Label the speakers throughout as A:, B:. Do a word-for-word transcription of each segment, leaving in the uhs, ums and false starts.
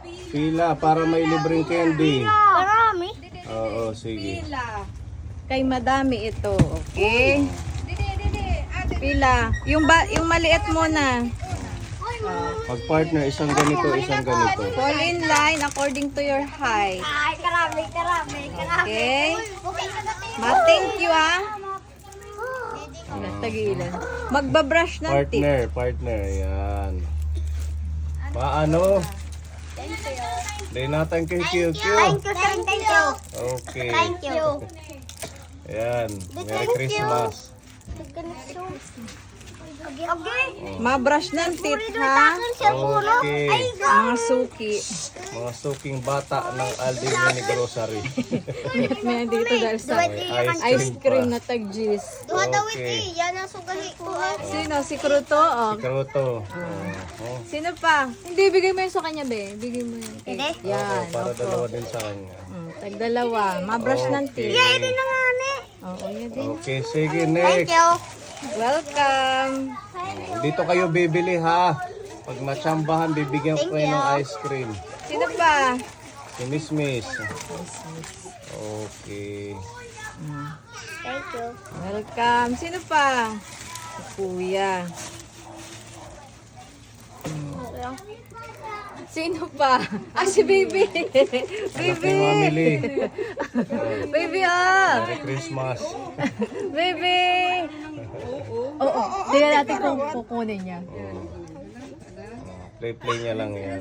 A: Pila para may libreng candy.
B: Marami.
A: Oo, sige.
C: Kay madami ito, okay? Pila. Yung ba, yung maliit muna.
A: Pag partner, isang ganito, isang ganito.
C: Fall in line according to your height.
B: Ay, karami, karami, karami.
C: Okay?
B: Okay.
C: Ma, thank you ah. Tagilan. Magbabrush ng teeth.
A: Partner, partner, yan. Paano? Day natin kay Q Q.
B: Thank you, thank you.
A: Okay.
B: Thank you.
A: Ayan. Merry Christmas.
B: Okay. Okay.
C: Mabrush ng teeth ha.
A: Okay.
C: Mga suki.
A: Mga suking bata ng Aldi Mini Grocery.
C: May dito dahil sa ice cream na tag-juice.
A: Okay.
B: Yan ang sugali ko.
C: Sino? Si Kruto? Oh.
A: Karoto. Oh.
C: Sino pa? Hindi, bigay mo yun sa kanya, be. Bigay mo yun.
B: Hindi.
C: Yan.
A: Para
C: opo.
A: dalawa din sa kanya.
C: Mm, tag-dalawa. Mabrush ng teeth.
A: Okay.
B: Ito na nga ni.
C: Oo, yan din.
A: Okay, sige,
B: Thank
A: next.
B: you.
C: Welcome.
A: Dito kayo bibili ha. Pag matsambahan, bibigyan ko kayo ng ice cream.
C: Sino pa?
A: Si Miss Miss. Okay.
B: Thank you.
C: Welcome. Sino pa? Si Kuya. Sino pa? Ah, si Baby.
A: Anak
C: Baby.
A: ni Mamili.
C: Baby, ah.
A: Merry Christmas.
C: Baby. Oo. Oo. Tingnan natin kung kukunin niya.
A: Play-play niya lang yan.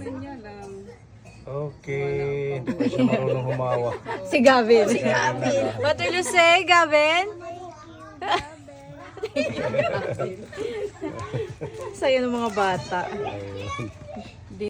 A: Okay. Hindi pa siya marunong humawa.
C: Si Gavin. Si Gavin. What will you say, Gavin? Sa'yo ng mga bata.
A: Ayun.